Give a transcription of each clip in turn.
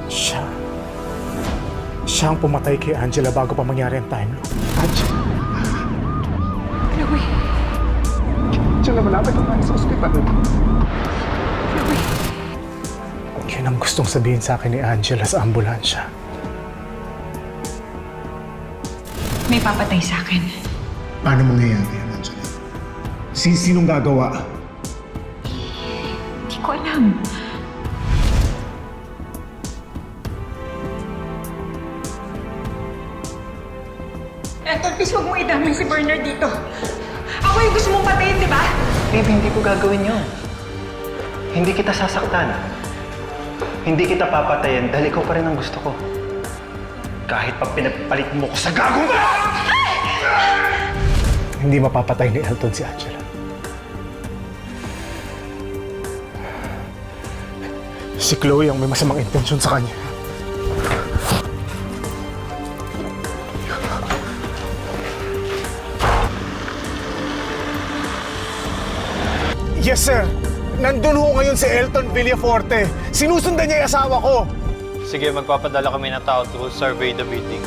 Siya. Siya ang pumatay kay Angela bago pa mangyari ang time loop. Angela! Chloe! Angela, malapit na tayo sa ospital. Chloe! Yun ang gustong sabihin sa akin ni Angela sa ambulansya. May papatay sa akin. Paano mangyayari yan, Angela? Sinong gagawa? Hindi ko alam. Anton, please huwag mo idamay si Bernard dito. Ako yung gusto mong patayin, di ba? Babe, hindi ko gagawin yun. Hindi kita sasaktan. Hindi kita papatayin dahil ikaw pa rin ang gusto ko. Kahit pag pinagpalit mo ko sa gagong ka! Hindi mapapatay ni Elton si Angela. Si Chloe ang may masamang intensyon sa kanya. Yes, sir. Nandun ho ngayon si Elton Villaforte. Sinusundan niya yung asawa ko. Sige, magpapadala kami ng tao to survey the building.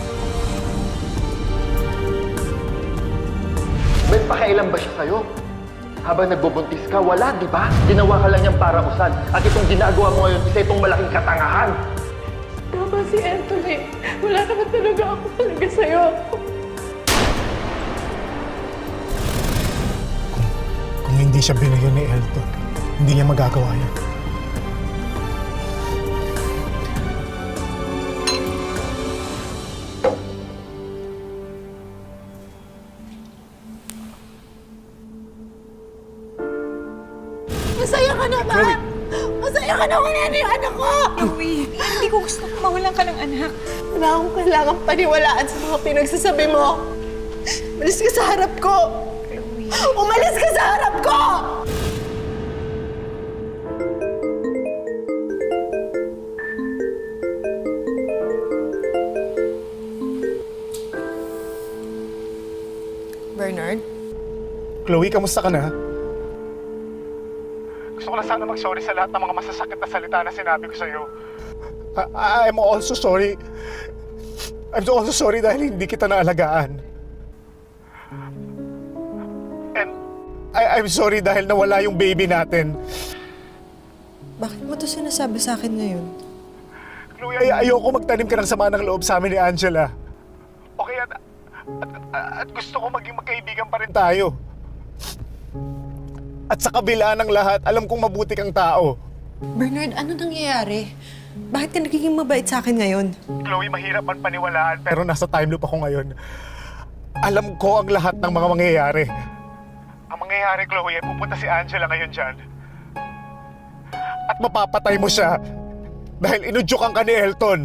May pakialam ba siya sa'yo? Habang nagbubuntis ka, wala, di ba? Ginawa ka lang niyang parausan. At itong ginagawa mo ngayon, isa itong malaking katangahan. Tama si Anthony. Wala naman talaga ako talaga sa'yo. Kung hindi siya binayo ni Elton, hindi niya magagawa yan. Masaya ka na ba? Chloe! Masaya ka na wala na yung anak ko! Chloe, hindi ko gusto mawalan ka ng anak. Wala akong kailangang paniwalaan sa mga pinagsasabi mo. Umalis ka sa harap ko! Umalis ka sa harap ko! Bernard? Chloe, kamusta ka na? Gusto ko na sana mag-sorry sa lahat ng mga masasakit na salita na sinabi ko sa'yo. I'm also sorry. I'm also sorry dahil hindi kita naalagaan. And I'm sorry dahil nawala yung baby natin. Bakit mo to sinasabi sa akin ngayon? Chloe, ayoko magtanim ka ng sama ng loob sa amin ni Angela. Okay, at gusto ko maging magkaibigan pa rin tayo. At sa kabila ng lahat, alam kong mabuti kang tao. Bernard, ano nangyayari? Bakit ka nagiging mabait sa akin ngayon? Chloe, mahirap man paniwalaan pero nasa time loop ako ngayon. Alam ko ang lahat ng mga mangyayari. Ang mangyayari, Chloe, ay pupunta si Angela ngayon dyan. At mapapatay mo siya dahil inudyukan ka ni Elton.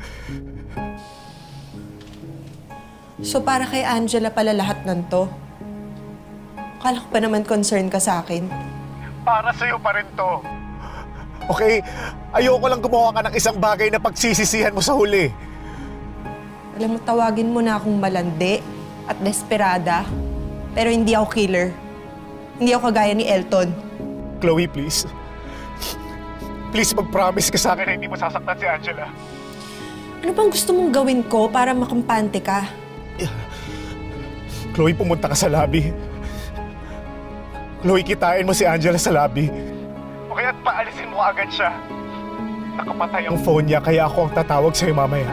So para kay Angela pala lahat ng to? Akala ko pa naman concerned ka sa akin. Para sa'yo pa rin to. Okay, ayoko lang gumawa ka ng isang bagay na pagsisisihan mo sa huli. Alam mo, tawagin mo na akong malandi at desperada, pero hindi ako killer. Hindi ako kagaya ni Elton. Chloe, please. Please mag-promise ka sa akin na hindi mo sasaktan si Angela. Ano bang gusto mong gawin ko para makampante ka? Chloe, pumunta ka sa lobby. Chloe, kitain mo si Angela sa lobby. Okay, at paalisin mo agad siya. Nakapatay ang phone niya, kaya ako ang tatawag sa'yo mamaya.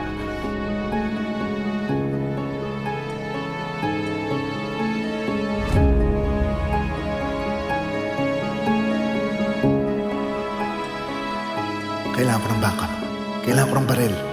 Kailangan ko ng backup. Kailangan ko ng baril.